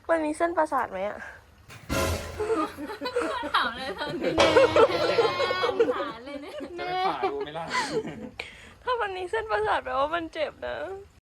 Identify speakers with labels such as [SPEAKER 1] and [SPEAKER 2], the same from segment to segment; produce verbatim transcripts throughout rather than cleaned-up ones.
[SPEAKER 1] มันมีเส้นประสาทไหมอะ
[SPEAKER 2] ถามเลยตอนนี้สงสารเลยเนี่ยจะไปผ่าดูไหมล่ะ
[SPEAKER 1] ถ้ามันมีเส้นประสาทแปลว่ามันเจ็บนะ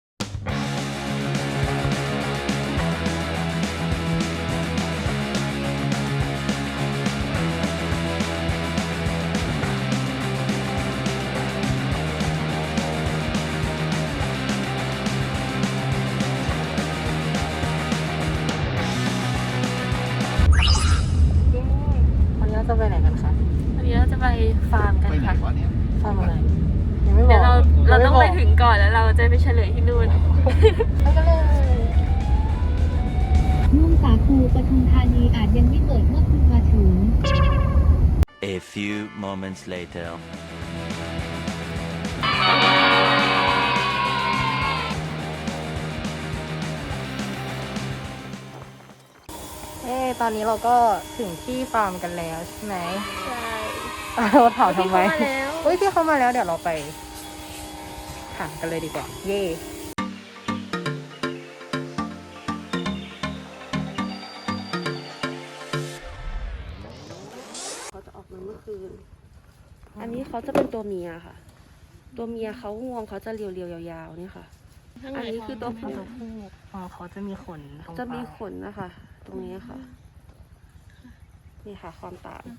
[SPEAKER 3] วันนี้เราจะไปไหนกันคะ
[SPEAKER 1] วันนี้เราจะไปฟาร์มกันค่ะ
[SPEAKER 3] ฟาร์มอะไรยังไม่บอก
[SPEAKER 1] เดี๋ยวเราเราต้องไปถึงก่อนแล้วเราจะไปเฉลยที่นู่น
[SPEAKER 3] ไปกันเลย
[SPEAKER 4] นุ่มสาคูปทุมธานีอาจยังไม่เปิดเมื่อคุณมาถึง
[SPEAKER 5] A few moments later.
[SPEAKER 3] เอ้ตอนนี้เราก็ถึงที่ฟาร์มกันแล้วใช่ไหม
[SPEAKER 1] ใช่
[SPEAKER 3] เราถามทำไม
[SPEAKER 1] พี่เข้ามาแล้ว
[SPEAKER 3] เฮ้ยพี่เข้ามาแล้วเดี๋ยวเราไปถามกันเลยดีกว่าเย่เขาจะออกมาเมื่อคืนอันนี้เขาจะเป็นตัวเมียค่ะ ตัวเมียเขางวงเขาจะเรียวๆยาวๆนี่ค่ะอันนี้คือตัวผู้ตัวผู้อ๋อเขาจะมีขนจะมีขนนะคะตรงนี้ค่ะนี่ค่ะความต่าง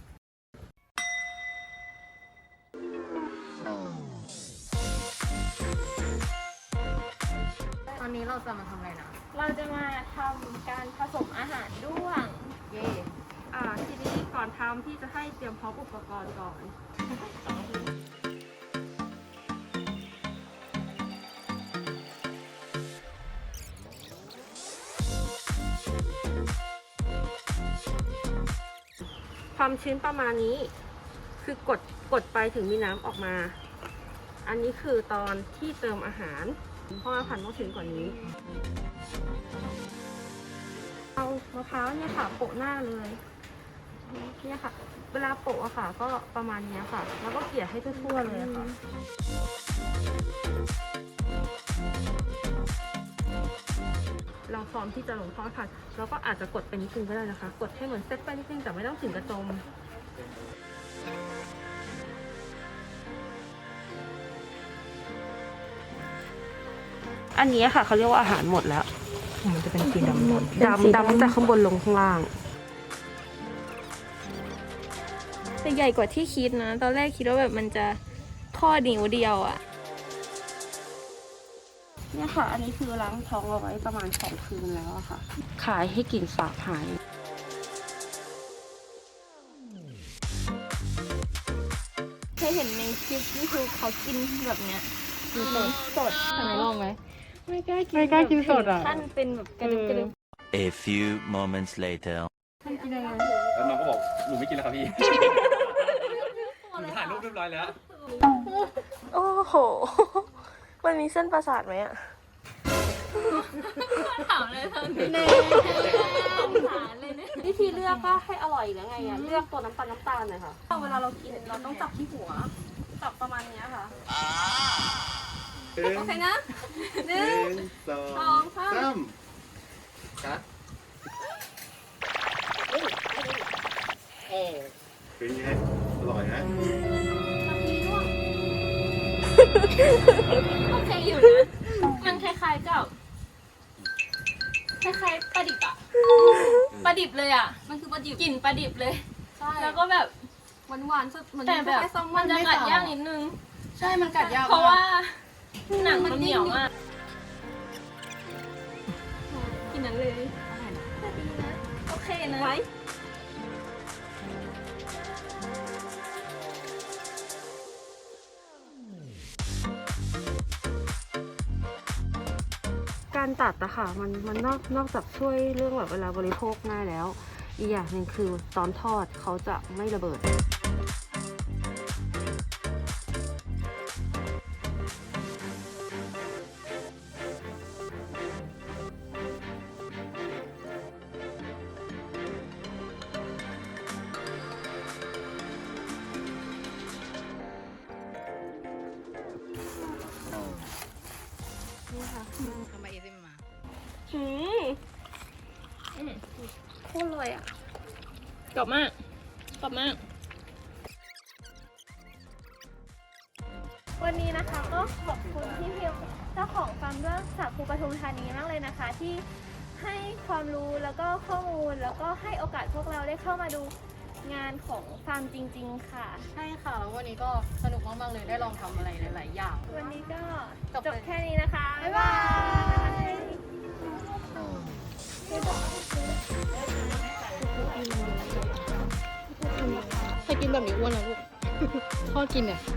[SPEAKER 3] ตอนนี้เราจะมาทำอะไรนะ
[SPEAKER 1] เราจะมาทำการผสมอาหารด้วง
[SPEAKER 3] เย่อ่าทีนี้ก่อนทำพี่จะให้เตรียมพร้อมอุปกรณ์ก่อนความชื้นประมาณนี้คือกดกดไปถึงมีน้ำออกมาอันนี้คือตอนที่เติมอาหารเพราะว่าผันต้องชื้นกว่านี้เอามะพร้าวเนี่ยค่ะโปะหน้าเลยเนี่ยค่ะเวลาโปะอะค่ะก็ประมาณนี้ค่ะแล้วก็เกลี่ยให้ทั่วๆเลยค่ะเราพร้อมที่จะลงทอดค่ะเราก็อาจจะกดไปนิดนึงก็ได้นะคะกดให้เหมือนเซตไปนิดนึงแต่ไม่ต้องถึงกระจมอันนี้ค่ะเขาเรียกว่าอาหารหมดแล้วมันจะเป็นสีดำดำดำจากข้างบนลงข้างล่าง
[SPEAKER 1] แต่ใหญ่กว่าที่คิดนะตอนแรกคิดว่าแบบมันจะข้อนิ้วเดียวอะ
[SPEAKER 3] เนี่ยค่ะอันนี้คือล้างท้องเอาไว้ประมาณสองคืนแล้วอะค่ะขายให้กลิ่นสาบหาย
[SPEAKER 1] เคยเห็นในคลิปนี่คือเขากินแบบเนี้ยกินสดสด
[SPEAKER 3] ทำไมลองไหม
[SPEAKER 1] ไม่กล้ากิน
[SPEAKER 3] ไม่กล้ากินสดอ่ะ
[SPEAKER 1] ขั้นเป็นแบบกระดึบกระดึบ
[SPEAKER 5] A few moments later.
[SPEAKER 3] ท่านกินยังไง
[SPEAKER 2] แล้วน้องก็บอกหนูไม่กินแล้วครับพี่หนูถ่ายรูปเรียบร้อยแล้ว
[SPEAKER 1] โอ้โหมันมีเส้นประสาทไหมอะ
[SPEAKER 2] ถามเลยตอนนี้สงสารเลยเนี่ย
[SPEAKER 3] วิธีเลือกก็ให้อร่อยแล้วไงอ่ะเลือกตัวน้ำตาลน้ำตาลเลยค่ะเวลาเรากินเราต้องจับที่หัวจับประมาณนี้ค่ะโอเคนะหนึ่งสองสาม
[SPEAKER 2] ครับเป็นไงอร่อยนะ
[SPEAKER 1] โอเคอยู่นะมันคล้ายๆกับคล้ายๆปลาดิบอะปลาดิบเลยอะมันคือปลาดิบกลิ่นปลาดิบเลยใช่แล้วก็แบบ
[SPEAKER 3] หวานหวานสุดเหมือน
[SPEAKER 1] แต่แบบมันจะกัดยากนิดนึง
[SPEAKER 3] ใช่มันกัดยาก
[SPEAKER 1] เพราะว่าหนังมันเหนียวมากกินนั้นเลยดีนะโอเคนะไว้การตัดอะค่ะมันมันนอกนอกจากช่วยเรื่องแบบเวลาบริโภคง่ายแล้วอีกอย่างหนึ่งคือตอนทอดเขาจะไม่ระเบิด
[SPEAKER 3] ทำไมเอซิมมา
[SPEAKER 1] อืมอื
[SPEAKER 3] โคตรเลยอ่ะ
[SPEAKER 1] กรอบมากกรอบมาก
[SPEAKER 6] วันนี้นะคะก็ขอบคุณพี่พิมเจ้าของฟาร์มเรื่องสาคูปทุมธานีมากเลยนะคะ ที่ให้ความรู้แล้วก็ข้อมูลแล้วก็ให้โอกาสพวกเราได้เข้ามาดูงานของฟาร์มจริงๆค่ะ
[SPEAKER 7] ใช่ค่ะแล้ววันนี้ก็สนุกมากๆเลยได้ลองทำอะไรหลายๆอย่าง
[SPEAKER 6] วันนี้ก็
[SPEAKER 7] จบ
[SPEAKER 6] จบแค่นี้นะคะ บ๊ายบาย
[SPEAKER 7] ใครกินแบบนี้อ้วนนะลูก พ่อกินเนี่ย